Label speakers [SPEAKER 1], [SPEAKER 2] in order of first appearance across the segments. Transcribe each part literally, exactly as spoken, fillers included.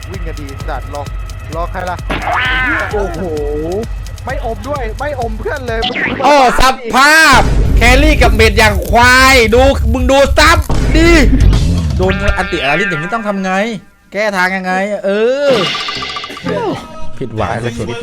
[SPEAKER 1] วิ่งกันดีสัตว์รอรอใครล่ะโอ้โหไม่อมด้วยไม่อมเพื่อนเลย
[SPEAKER 2] โอ้สภาพแครี่กับเมดอย่างควายดูมึงดูซับดิโดนอันติอาริสอย่างนี้ต้องทำไงแก้ทางยังไงเออผิดหวังสุดๆ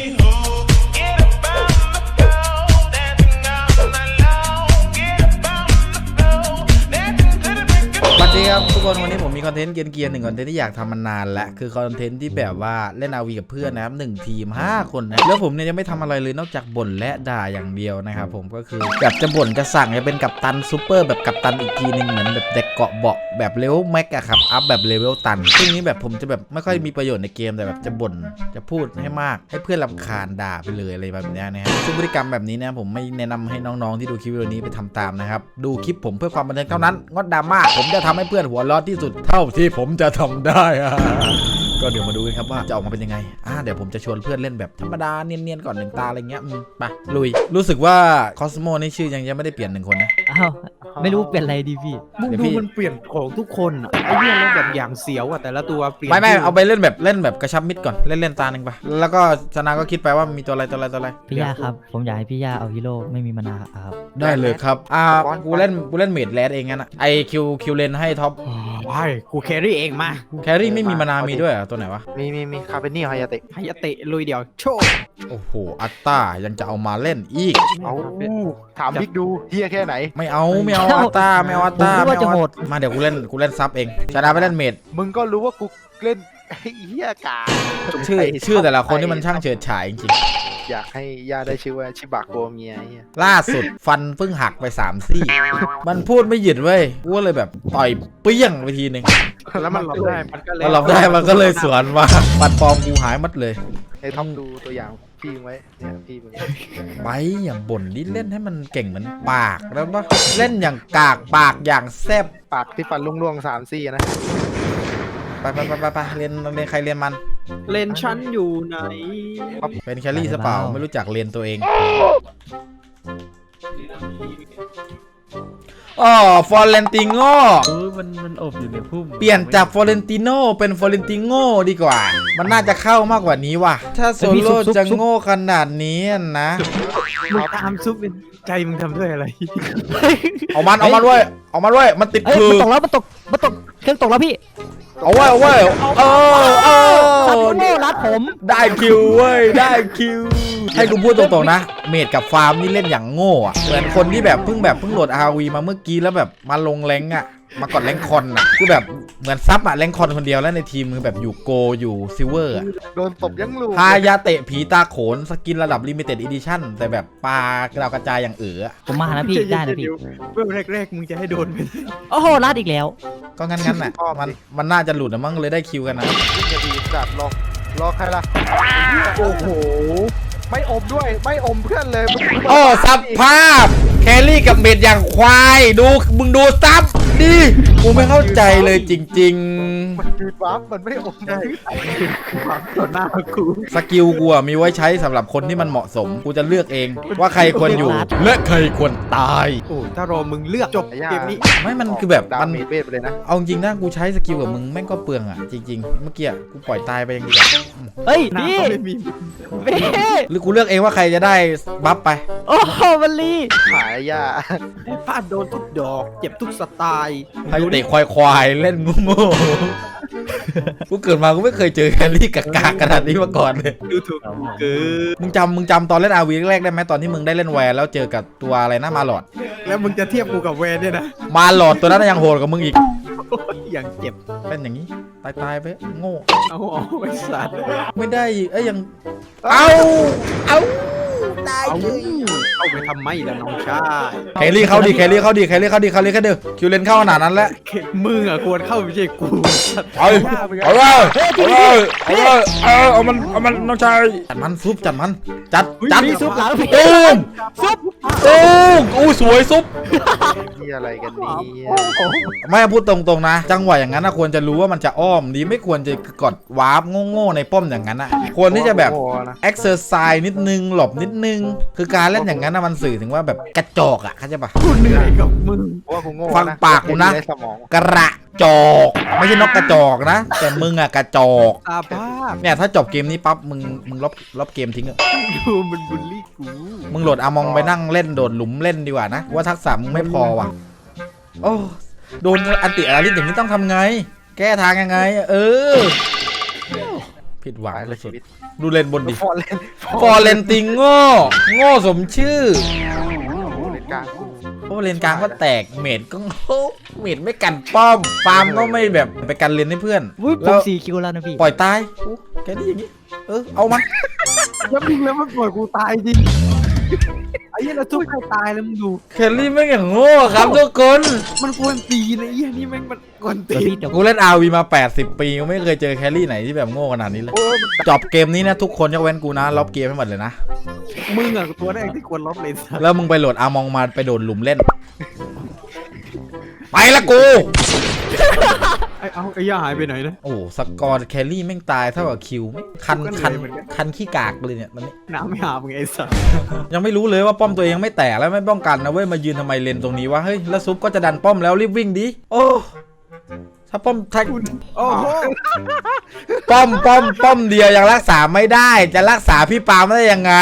[SPEAKER 2] สวัสดีครับทุกคนวันนี้ผมมีคอนเทนต์เกียร์เกียร์หนึ่งคอนเทนต์ที่อยากทำมานานแล้วคือคอนเทนต์ที่แบบว่าเล่นอาวีกับเพื่อนนะครับหนึ่งทีมห้าคนนะแล้วผมเนี่ยยังไม่ทำอะไรเลยนอกจากบ่นและด่าอย่างเดียวนะครับผมก็คือแบบจะบ่นจะสั่งจะเป็นกัปตันซูเปอร์แบบกัปตันอีกทีหนึ่งเหมือนแบบเด็กเกาะเบาะแบบเลเวลแม็กอะครับอัพแบบเลเวลตันซึ่งนี้แบบผมจะแบบไม่ค่อยมีประโยชน์ในเกมแต่แบบจะบ่นจะพูดให้มากให้เพื่อนรำคาญด่าไปเลยอะไรแบบนี้นะฮะซึ่งพฤติกรรมแบบนี้นะผมไม่แนะนำให้น้องๆที่ดูคลิปวิดีโอนี้ไปทำตามนะครับดูคลิปผมเพื่อความบันเทิงเท่านั้นงดดราม่าผมจะทำให้เพื่อนหัวร้อนที่สุดเท่าที่ผมจะทำได้ก็เดี๋ยวมาดูกันครับว่าจะออกมาเป็นยังไงอ่าเดี๋ยวผมจะชวนเพื่อนเล่นแบบธรรมดาเนียนๆก่อนหนึ่งตาอะไรเงี้ยไปลุยรู้สึกว่าคอสโมนี่ชื่อยังยังไม่ได้เปลี่ยนหนึ่งคนนะ
[SPEAKER 3] อ้าวไม่รู้เป็นอะไรดีพี่
[SPEAKER 4] มึงดูมันเปลี่ยนของทุกคนอ่ะไอ้เนี่ยเล่นแบบอย่างเสียวอ่ะแต่ละตัวเปลี่ยน
[SPEAKER 2] ไม่ไม่เอาไปเล่นแบบเล่นแบบกระชับมิดก่อนเล่นเล่นตาหนึ่งไปแล้วก็ชนะก็คิดไปว่ามีตัวอะไรตัวอะไรตัวอะไร
[SPEAKER 3] พี่ย่าครับผมอยากให้พี่ย่าเอาฮีโร่ไม่มีมานาครับ
[SPEAKER 2] ได้เลยครับอ่ากูเล่นกูเล่นเมดแรดเองงั้นอะไอคิวคิวเลนให้ท็อป
[SPEAKER 4] ไปกูแครี่เองมา
[SPEAKER 2] แครี่ไม่มีมานามีด้วยอ่ะตัวไหนวะ
[SPEAKER 1] มีมีมีคาเฟนี่ไฮยาเตะ
[SPEAKER 4] ไฮยาเตะลุยเดียวโชว์
[SPEAKER 2] โอ้โหอัตตายังจะเอามาเล่นอีก
[SPEAKER 1] เอาถามบิ๊กดูเฮียแค่ไหน
[SPEAKER 2] ไม่เอาไม่เอาอัตตาไม่เอาอัตตาไม่เอามาเดี๋ยวกูเล่นกูเล่นซับเองชนะไปเล่นเมด
[SPEAKER 1] มึงก็รู้ว่ากูเล่นเฮียกา
[SPEAKER 2] ชื่อชื่อแต่ละคนที่มันช่างเฉิดฉายจริง
[SPEAKER 1] ๆอยากให้ย่าได้ชื่อว่าชิบะโกเมียเฮีย
[SPEAKER 2] ล่าสุดฟันเพิ่งหักไปสามซี่มันพูดไม่หยุดเว้ยกูเลยแบบต่อยเปี้ยงไปทีนึง
[SPEAKER 1] แล้วมันหลบได้มันก็เลย
[SPEAKER 2] หลบได้มันก็เลยสวนมาปัดปอมกูหายหมดเลย
[SPEAKER 1] ไอ้ท็อปดูตัวอย่างพี่ไว้เนี่ยพี่มึง
[SPEAKER 2] ไปอย่างบ่นนี่เล่นให้มันเก่งเหมือนปากแล้วปะเล่นอย่างกากปากอย่างแซบ
[SPEAKER 1] ปากที่ฟันล่วงๆสามซี่นะ
[SPEAKER 2] ไปไปไปไปไปเรียนเรียนใครเรียนมัน
[SPEAKER 4] เลนชั้นอยู่ไหน
[SPEAKER 2] เป็นแครี่ซะเปล่าไม่รู้จักเรียนตัวเองอ๋อฟอร์เรนติโง่
[SPEAKER 3] เออมันมันอบอยู่ในพุ่ม
[SPEAKER 2] เปลี่ยนจากฟอร์เรนติโน่เป็นฟอร์เรนติโง่ดีกว่ามันน่าจะเข้ามากกว่านี้ว่ะถ้าโซโล่จะโง่ขนาดนี้นะ
[SPEAKER 4] มึงตามซุปเป็นใจมึงทำด้วยอะไร
[SPEAKER 2] เอามันเอามันด้วยเอามันด้วยมันติดคือ
[SPEAKER 3] มันตกแล้วมันตกมันตกเครื่องตกแล้วพี่
[SPEAKER 2] เอาไว้เอาไว้เออเออ
[SPEAKER 3] ซับโน่รัดผม
[SPEAKER 2] ได้คิวเว้ยได้คิวให้กูพูดตรงๆนะเมดกับฟาร์มนี่เล่นอย่างโง่อะเหมือนคนที่แบบเพิ่งแบบเพิ่งโหลด อาร์ วี มาเมื่อกี้แล้วแบบมาลงแรงอะมากดแรงคอนอะคือแบบเหมือนซับอะแรงคอนคนเดียวแล้วในทีมมือแบบอยู่โกอยู่ซิลเวอร์อะ
[SPEAKER 1] โดนตบยังลูก
[SPEAKER 2] ฮายาเตะผีตาโขนสกินระดับลิมิเต็ดอีดิชั่นแต่แบบปลากระดาวกระจายอย่างเอ๋อ
[SPEAKER 3] ผมมานะพี่ได้นะพี่
[SPEAKER 4] เมื่อแรกๆมึงจะให้โดนไป
[SPEAKER 3] โอ้โหรัดอีกแล้ว
[SPEAKER 2] ก็งั้นงั้นน่ะมันมันน่าจะหลุดนะมั้งเลยได้คิวกันนะ
[SPEAKER 1] วิ่งกันดีสัตว์รอรอใครล่ะโอ้โหไม่อมด้วยไม่อมเพื่อนเลย
[SPEAKER 2] โอ้สภาพแครี่กับเมดอย่างควายดูมึงดูซับดิกูไม่เข้าใจเลยจริงๆ
[SPEAKER 1] มันคือวับมันไม่อมได้
[SPEAKER 4] วับต่อหน้ากู
[SPEAKER 2] สกิลกูมีไว้ใช้สำหรับคนที่มันเหมาะสมกูจะเลือกเองว่าใครควรอยู่และใครควรตาย
[SPEAKER 4] โอ้ถ้ารอมึงเลือกจบเกมนี้
[SPEAKER 2] ไม่มันคือแบบมัน
[SPEAKER 1] เวทไปเลยนะ
[SPEAKER 2] เอาจริงนะกูใช้สกิลกับมึงแม่งก็เปลืองอ่ะจริงๆเมื่อกี้กูปล่อยตายไปอย่างเดียว
[SPEAKER 3] เฮ้ยนี่
[SPEAKER 2] หรือกูเลือกเองว่าใครจะได้บัฟไป
[SPEAKER 3] โอ้โหมันลี
[SPEAKER 1] หายยา
[SPEAKER 4] พลาดโดนทุกดอกเจ็บทุกสไตล์
[SPEAKER 2] ให้เตะควายควายเล่นงูงูกูเกิดมากูไม่เคยเจอแครี่กากขนาดนี้มาก่อนเลย
[SPEAKER 4] ดูถูกคือ
[SPEAKER 2] มึงจำมึงจำตอนเล่นอาวีแรกได้ไหมตอนที่มึงได้เล่นแวร์แล้วเจอกับตัวอะไรนะมาหลอด
[SPEAKER 4] แล้วมึงจะเทียบกูกับแวร์เนี่ยนะ
[SPEAKER 2] มาหลอดตัวนั้นยังโหดกว่ามึงอีก
[SPEAKER 4] อย่างเจ็บ
[SPEAKER 2] เป็นอย่างนี้ตายตายไปโง่
[SPEAKER 4] เอาเอาไอ้สัตว์
[SPEAKER 2] ไม่ได้เอ้ยยังเอาเอาได้เลย
[SPEAKER 4] เอาไปทำไมล่ะน้องชาย
[SPEAKER 2] แครี่เข้าดิแครี่เข้าดิแครี่เข้าดิแครี่เข้าดิคิวเลนเข้าขนาดนั้นแล้ว
[SPEAKER 4] มึงอ่ะควรเข้าไม่ใช่กู
[SPEAKER 2] เอาเอาเลยเอาเลยเอาเลยเอาเอามันเอามันน้องชายจัดมันซุปจัดมันจัดจัด
[SPEAKER 3] ซุปหลังพี่
[SPEAKER 2] ตูมซุปตูมอู้สวยซุป
[SPEAKER 1] นี่อะไรกันนี่
[SPEAKER 2] ไม่พูดตรงๆนะจังหวะอย่างนั้นนะควรจะรู้ว่ามันจะอ้อมดีไม่ควรจะกดวาร์ปโง่ๆในป้อมอย่างนั้นนะควรที่จะแบบเอ็กเซอร์ไซส์นิดนึงหลบนิดนึงงคือการเล่นอย่างนั้นนะมันสื่อถึงว่าแบบกระจอกอ่ะเข้าใจปะ
[SPEAKER 4] กูเหนื่อยกับมึง
[SPEAKER 1] เพราะว่ากูโง่
[SPEAKER 2] ฟังปากกูนะ
[SPEAKER 1] ได้สมอง
[SPEAKER 2] กระจอกไม่ใช่นกกระจอกนะแต่มึงอ่ะกระจอก
[SPEAKER 4] ตาบ้า
[SPEAKER 2] เนี่ยถ้าจบเกมนี้ปั๊บมึงมึงลบลบเกมทิ้งอะ
[SPEAKER 4] ดูมันบูลลี่กู
[SPEAKER 2] มึงโหลดอามองไปนั่งเล่นโดดหลุมเล่นดีกว่านะว่าทักษะมึงไม่พอว่ะโอ้โดนอันติอาริสอย่างนี้ต้องทำไง แก้ทางยังไง เออผิดหวัง
[SPEAKER 1] ตาย
[SPEAKER 2] เล
[SPEAKER 1] เลย
[SPEAKER 2] ย
[SPEAKER 1] ชีวิต
[SPEAKER 2] ดูเล่นบนดิ
[SPEAKER 1] ฟอร์เรน
[SPEAKER 2] ฟอร์เรนติงโง่โง่สมชื่อ
[SPEAKER 1] เลนกลางกู
[SPEAKER 2] โอ้เลนกลางก็แตกเมดก็โง่เมดไม่กันป้อมฟาร์มก็ไม่แบบไปกันเลนให้เพื่อน
[SPEAKER 3] วุ้ยผ
[SPEAKER 2] แล้
[SPEAKER 3] ม
[SPEAKER 2] ว
[SPEAKER 3] สี่คิวแล้วนะพี่
[SPEAKER 2] ปล่อยตายโอ้แกนี่อย่างนี้เออเอามัน
[SPEAKER 4] แล้วมึงแล้วมันปล่อยกูตายจริงไอ้เหี้ยเราทุบใครตายแล้วมึงดู
[SPEAKER 2] แคลรี่ไม่งอย่างโง่ครับทุกคน
[SPEAKER 4] มันกวนตีนไอ้เหี้ยนี่แม่งมันกวนตี
[SPEAKER 3] เดี๋ยวพี่
[SPEAKER 4] น
[SPEAKER 3] เดี๋ยว
[SPEAKER 2] กูเล่น อาร์ วี มาแปดสิบปีกูไม่เคยเจอแคลรี่ไหนที่แบบโง่ขนาดนี้เลย
[SPEAKER 1] โอ้ยมัน
[SPEAKER 2] จบเกมนี้นะทุกคนยกเว้นกูนะล็อบเกมให้หมดเลยนะ
[SPEAKER 4] มึงอะตัวแรกที่ควรลบเลยสัส
[SPEAKER 2] แล้วมึงไปโหลดอามองมาไปโดดหลุมเล่น ไปละกู
[SPEAKER 4] ไอ้เอาไอ้ย่าหายไปไหนนะ
[SPEAKER 2] โอ้สกอร์แคลรี่แม่งตายเท่ากับคิวแม่งคัน
[SPEAKER 4] ก็เหนื่
[SPEAKER 2] คัน
[SPEAKER 4] อยเหมือนกัน
[SPEAKER 2] คันขี้กากเลยเนี่ยตอนนี้
[SPEAKER 4] น้ำไม่หามึงไอ้สัส
[SPEAKER 2] ยังไม่รู้เลยว่าป้อมตัวเองยังไม่แตกแล้วไม่ป้องกันนะเว้ยมายืนทำไมเลนตรงนี้วะเฮ้ยแล้วซุปก็จะดันป้อมแล้วรีบวิ่งดิโอ้ถ้าป้อมถ้า
[SPEAKER 4] โอ้โห
[SPEAKER 2] ป้อมป้อมป้อมเดียวยังรักษาไม่ได้ จะรักษาพี่ปาล์มได้ยังไง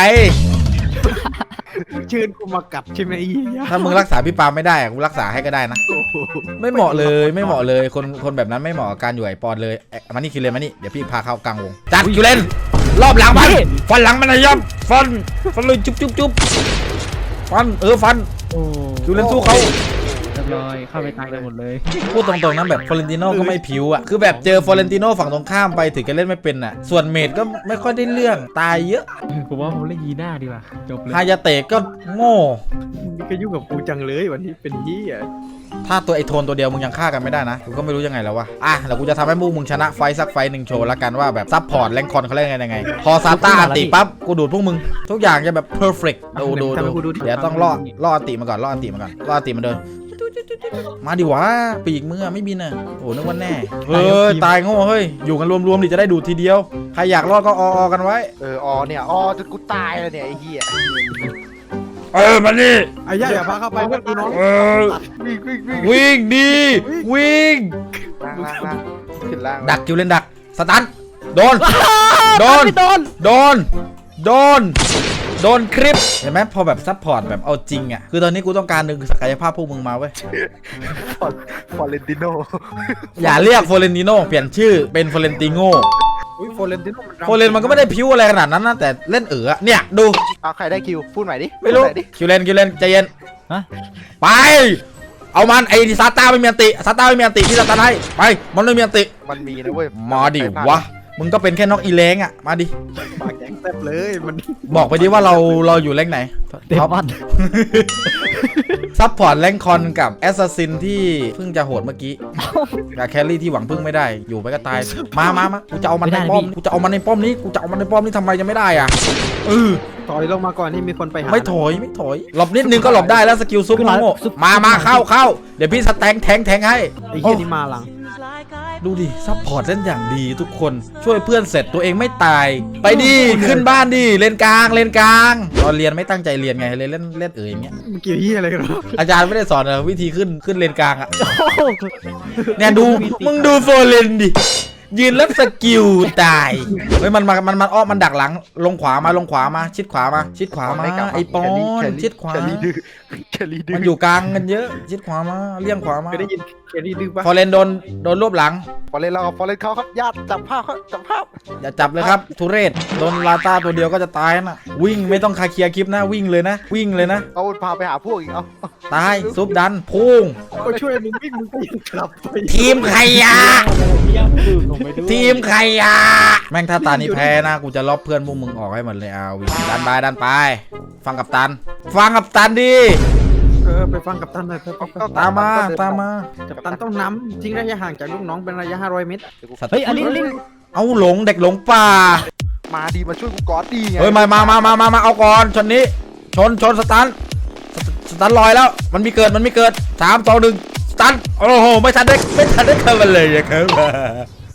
[SPEAKER 4] เชิญกูมากัดใช่ไหมไอ้เหี้ย
[SPEAKER 2] ถ้ามึงรักษาพี่ปาล์มไม่ได้อะกูรักษาให้ก็ได้นะ
[SPEAKER 4] โอ้โห
[SPEAKER 2] ไม่เหมาะเลยไม่เหมาะเลยคนคนแบบนั้นไม่เหมาะกับการอยู่ไอปอนเลยเอ๊ะมานี่คิวเลนมานี่เดี๋ยวพี่พาเข้ากลางวงจัดคิวเลนรอบหลังมันฟันหลังมันนะยอมฟันฟันเลยจุ๊บจุ๊บจุ๊บฟันเออฟัน
[SPEAKER 3] โอ้
[SPEAKER 2] คิวเลนสู้เขา
[SPEAKER 3] เรียบร้อยเข้าไปตายไปหมดเลย
[SPEAKER 2] พูดตรงๆนะแบบฟลอเรนติโน่ก็ไม่ผิวอ่ะคือแบบเจอฟลอเรนติโน่ฝั่งตรงข้ามไปถึงจะเล่นไม่เป็นอ่ะส่วนเมดก็ไม่ค่อยได้เรื่องตายเยอะ
[SPEAKER 3] ผมว่าผมเล่นยีน่าดีกว่าจบเลย
[SPEAKER 2] ฮายาเตะก็โง่
[SPEAKER 4] นี่ก็ยุ่งกับกูจังเลยวันนี้เป็นเหี้ย
[SPEAKER 2] ถ้าตัวไอโทนตัวเดียวมึงยังฆ่ากันไม่ได้นะกูก็ไม่รู้ยังไงแล้ววะอ่ะเดี๋ยวกูจะทำให้พวกมึงชนะไฟสักไฟหนึ่งโชว์ละกันว่าแบบซับพอร์ตแรงคอนเขาเล่นยังไงพอซาต้าอันติปั๊บกูดูดพวกมึงทุกอย่างจะแบบเพอร์เฟกต์ดูดูดูเดี๋ยวต้องล่อล่ออันติมาก่อนล่ออันติมาก่อนล่ออันติมาเดินมาดิวะปีกมึงอะไม่บินอะโอ้นึกว่าแน่เฮ้ยตายโง่เฮ้ยอยู่กันรวมๆดิจะได้ดูดทีเดียวใครอยากรอดก็ออๆกันไว้
[SPEAKER 1] เออออเนี่ยออจนกูตายแล้วเนี่ยไอ้เหี้ย
[SPEAKER 2] เออมานี่
[SPEAKER 4] ไอ้ย่าอย่าพาเข้าไปเพื่อนกูน้อง
[SPEAKER 2] เออ
[SPEAKER 1] วิ่งวิ่งวิ่ง
[SPEAKER 2] วิ่งดีวิ่ง
[SPEAKER 1] ล่างล่างล่างขึ้นล่าง
[SPEAKER 2] ดักคิวเล่นดักสตันโดน โดน
[SPEAKER 3] ไม่โดน
[SPEAKER 2] โดน โดน โดนคลิป เห็นไหมพอแบบซัพพอร์ตแบบเอาจริงอ่ะ คือตอนนี้กูต้องการดึงศักยภาพพวกมึงมาเว้ย
[SPEAKER 1] ฟอร์เรนติโน่
[SPEAKER 2] อย่าเรียกโฟเรนติโน่เปลี่ยนชื่อเป็นโฟเรนติโง่
[SPEAKER 4] อุ้ยโฟเรนติโน่มัน
[SPEAKER 2] โฟเรนมันก็ไม่ได้พิ้วอะไรขนาดนั้นนะแต่เล่นเอ๋อเนี่ยดู
[SPEAKER 1] เอาใครได้คิวพูดใหม่ดิ
[SPEAKER 2] ไม่รู้
[SPEAKER 1] พูดใหดิ
[SPEAKER 2] คิวเลนคิวเลนใจเย็น
[SPEAKER 3] ฮะ
[SPEAKER 2] ไป เอามันไอ้ซาต้าไม่มีอันติซาต้าไม่มีอันติที่ซาต้าให้ไปมันไม่มีอันติ
[SPEAKER 1] มันมีนะเว้ย
[SPEAKER 2] มาดิวะมึงก็เป็นแค่นกอีเล้งอ่ะมาดิ
[SPEAKER 4] ปากแข็งแซ่บเลยมัน
[SPEAKER 2] บอกไปดิว่าเราเราอยู่แรงไหน
[SPEAKER 3] เดมอน
[SPEAKER 2] ซัพพอร์ตแรงคอนกับแอสซัสซินที่เพิ่งจะโหดเมื่อกี้กับแครี่ที่หวังพึ่งไม่ได้อยู่ไปก็ตายมามามากูจะเอามันในป้อมกูจะเอามันในป้อมนี้กูจะเอามันในป้อมนี้ทำไมจะไม่ได้อ่ะเออ
[SPEAKER 4] ถอยลงมาก่อนที่มีคนไปหา
[SPEAKER 2] ไม่ถอยไม่ถอยหลบนิดนึงก็หลบได้แล้วสกิลซุปโง่มามาเข้าเข้าเดี๋ยวพี่สแตงแทงแทงให้
[SPEAKER 4] ไอ้เหี้ยนี่มาหลัง
[SPEAKER 2] ดูดิซัพพอร์ตเล่นอย่างดีทุกคนช่วยเพื่อนเสร็จตัวเองไม่ตายไปดิขึ้นบ้านดิเลนกลางเลนกลางตอนเรียนไม่ตั้งใจเรียนไงเลยเล่นเล่นเอ๋ยอย่างเงี้ย
[SPEAKER 4] มันเกี่ยวเหี้ยอะไรกันวะ
[SPEAKER 2] อาจารย์ไม่ได้สอนเหรอวิธีขึ้นขึ้นเลนกลางอะ
[SPEAKER 3] โอ้โห
[SPEAKER 2] เนี่ยดูมึงดูโฟเลนดิยืนแล้วสกิลตายเฮ้ยมันมามันมันอ้อมมันดักหลังลงขวามาลงขวามาชิดขวามาชิดขวามาไอปอนชิดขวา
[SPEAKER 1] แครี่ดื้อแครี่ดื้อ
[SPEAKER 2] มันอยู่กลางกันเยอะชิดขวามาเลี่ยงขวามา
[SPEAKER 4] เคยได้ยินเคยได้ดื้อปะ
[SPEAKER 2] ฟอเรนโดนโดนรวบหลัง
[SPEAKER 1] ฟอร์เรนเราฟอร์เรนเขาครับญาติจับภาพเขาจับภาพ
[SPEAKER 2] อย่าจับเลยครับทุเรศโดนลาต้าตัวเดียวก็จะตายนะวิ่งไม่ต้องคาเคลียร์คลิปนะวิ่งเลยนะ วิ่งเลยนะ
[SPEAKER 1] เอาพาไปหาพวกอีกเอา
[SPEAKER 2] ตายซุปดันพุ่ง
[SPEAKER 4] ก็ช่วยมึงวิ่งมึงก็ยังกลับไป
[SPEAKER 2] ทีมขยะ
[SPEAKER 3] เยี่ยมดูผมไปด้วย
[SPEAKER 2] ทีมขยะแม่งถ้าตานี้แพ้นะกูจะลบเพื่อนพวกมึงออกให้หมดเลยเอาวิดันไปดันไป ฟังกับตัน ฟังกับตันดิ
[SPEAKER 4] เออไปฟังกับตันหน่อยเถอะไปฟัง
[SPEAKER 2] ตามมาตามมา
[SPEAKER 4] กับตันต้องนำทิ้งระยะห่างจากลูกน้องเป็นระยะห้าร้อยเมตร
[SPEAKER 3] เฮ้ยอันนี้อันนี้
[SPEAKER 2] เอาหลงเด็กหลงป่า
[SPEAKER 1] มาดีมาช่วยกูกอดดีไง
[SPEAKER 2] เฮ้ยมามามามามามาเอาก่อนชนนี้ชนชนสตันสสตันลอยแล้วมันมีเกิดมันมีเกิดสามสองหนึ่งสตันโอ้โหไม่ทันได้ไม่ทันได้เข้ามาเลยอะครับ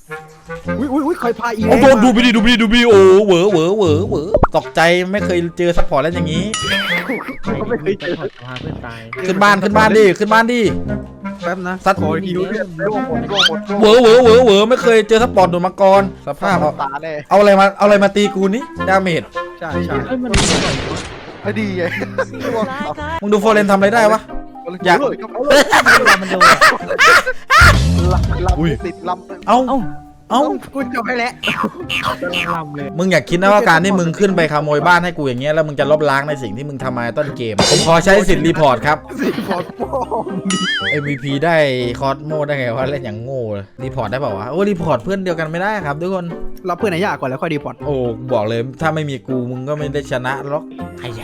[SPEAKER 4] อุ้ยอุ้ยอุ้ยใครพาอี
[SPEAKER 2] โอ้โหดูไปดิดูไปดิดูไปดิโอ้เหวอเหวอเหวอเหวอตกใจไม่เคยเจอซัพพอร์ตแล้วอย่างนี้
[SPEAKER 4] ไม่เคยเจอ
[SPEAKER 3] พาเพื่อนตาย
[SPEAKER 2] ขึ้นบ้านขึ้นบ้านดิขึ้นบ้านดิ
[SPEAKER 4] แป๊บนะ
[SPEAKER 2] สัตว์
[SPEAKER 4] ขอฮิวเลือด
[SPEAKER 1] ร่วงหมดร่วงหมด
[SPEAKER 2] เหวอเหวอเหวอเหวอไม่เคยเจอซัพพอร์ตโดนมาก่อนสภาพเอา
[SPEAKER 1] ตาแน่
[SPEAKER 2] เอาอะไรมาเอาอะไรมาตีกูนี่ดาเมจ
[SPEAKER 4] ใช่ใช่
[SPEAKER 3] เฮ้ยมันมีบ่อยวะ
[SPEAKER 1] พอดีไงร่วง
[SPEAKER 2] มึงดูโฟเรนทำอะไรได้วะ อยาก
[SPEAKER 3] มันโดน
[SPEAKER 1] ลำลำติดลำ
[SPEAKER 2] เอ้า
[SPEAKER 3] เอ้า
[SPEAKER 2] เอ้า
[SPEAKER 4] กูจบไปแล้ว
[SPEAKER 3] กำลังลำเลย
[SPEAKER 2] มึงอยากคิดนะว่าการที่มึงขึ้นไปขโมยบ้านให้กูอย่างเงี้ยแล้วมึงจะลบล้างในสิ่งที่มึงทำมาต้นเกมผมขอใช้สิทธิ์รีพอร์ตครับ
[SPEAKER 4] สิพอดโป้ง
[SPEAKER 2] เอ็ม วี พี ได้คอสโมได้ไงวะเล่นอย่างโง่เลยรีพอร์ตได้เปล่าวะโอ้รีพอร์ตเพื่อนเดียวกันไม่ได้ครับทุกคน
[SPEAKER 4] เราเพื่อนไหนยากก่อนแล้วค่อยดีพอร์ต
[SPEAKER 2] โอ้บอกเลยถ้าไม่มีกูมึงก็ไม่ได้ชนะหรอกใครช